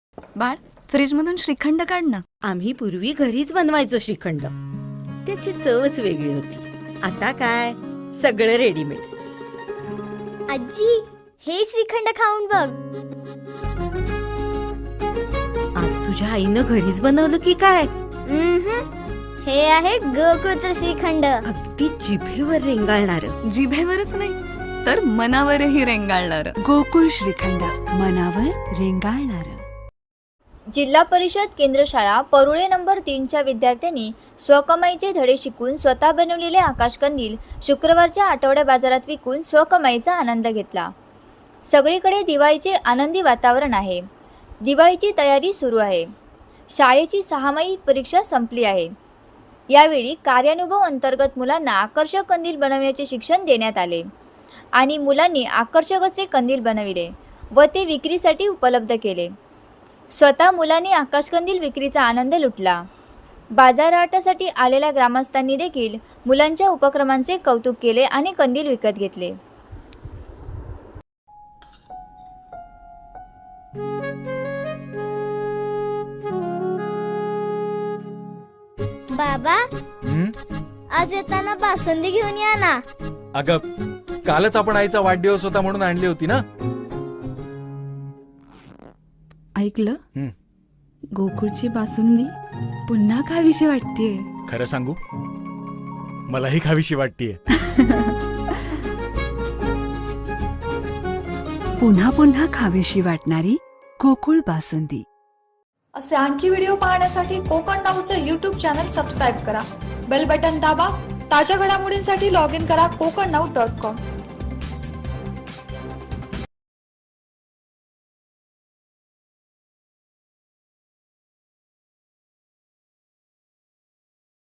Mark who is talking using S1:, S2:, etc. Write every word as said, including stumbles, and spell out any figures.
S1: बाळ, फ्रीज मधून श्रीखंड काढ ना.
S2: आम्ही पूर्वी घरीच बनवायचो श्रीखंड. त्याची चवच वेगळी होती. आता काय सगळं रेडीमेड.
S3: आजी, हे श्रीखंड खाऊन बघ.
S2: आज तुझ्या आईनं घरीच बनवलं की काय?
S3: उम्हम. हे आहे गोकुळचं श्रीखंड.
S2: अगदी जिभेवर रेंगाळणार.
S1: जिभेवरच नाही तर मनावरही रेंगाळणार.
S4: गोकुळ श्रीखंड, मनावर रेंगाळणार.
S5: जिल्हा परिषद केंद्र शाळा परुळे नंबर तीनच्या विद्यार्थ्यांनी स्वकमाईचे धडे शिकून स्वतः बनवलेले आकाशकंदील शुक्रवारच्या आठवड्या बाजारात विकून स्वकमाईचा आनंद घेतला. सगळीकडे दिवाळीचे आनंदी वातावरण आहे. दिवाळीची तयारी सुरू आहे. शाळेची सहामाही परीक्षा संपली आहे. यावेळी कार्यानुभव अंतर्गत मुलांना आकर्षक कंदील बनवण्याचे शिक्षण देण्यात आले आणि मुलांनी आकर्षक असे कंदील बनविले व ते विक्रीसाठी उपलब्ध केले. स्वतः मुलांनी आकाशकंदील विक्रीचा आनंद लुटला. बाजारहाटासाठी आलेल्या ग्रामस्थांनी देखील मुलांच्या उपक्रमांचे कौतुक केले आणि कंदील विकत घेतले.
S3: बाबा,
S6: हं?
S3: आज येताना बासुंदी घेऊन या ना.
S6: अगं, कालच आपण आईचा वाढदिवस होता म्हणून आणली होती ना.
S4: ऐकलं?
S6: हं.
S4: गोकुळची बासुंदी पुन्हा खावीशी वाटतेय.
S6: खरं सांगू, मलाही खावीशी वाटतीये.
S4: पुन्हा पुन्हा खावीशी वाटणारी गोकुळ बासुंदी.
S7: असे आणखी व्हिडिओ पाहण्यासाठी कोकण नाऊचं यूट्यूब चॅनल सबस्क्राईब करा. बेल बटन दाबा. ताज्या घडामोडींसाठी लॉग इन करा कोकण नाऊ डॉट कॉम.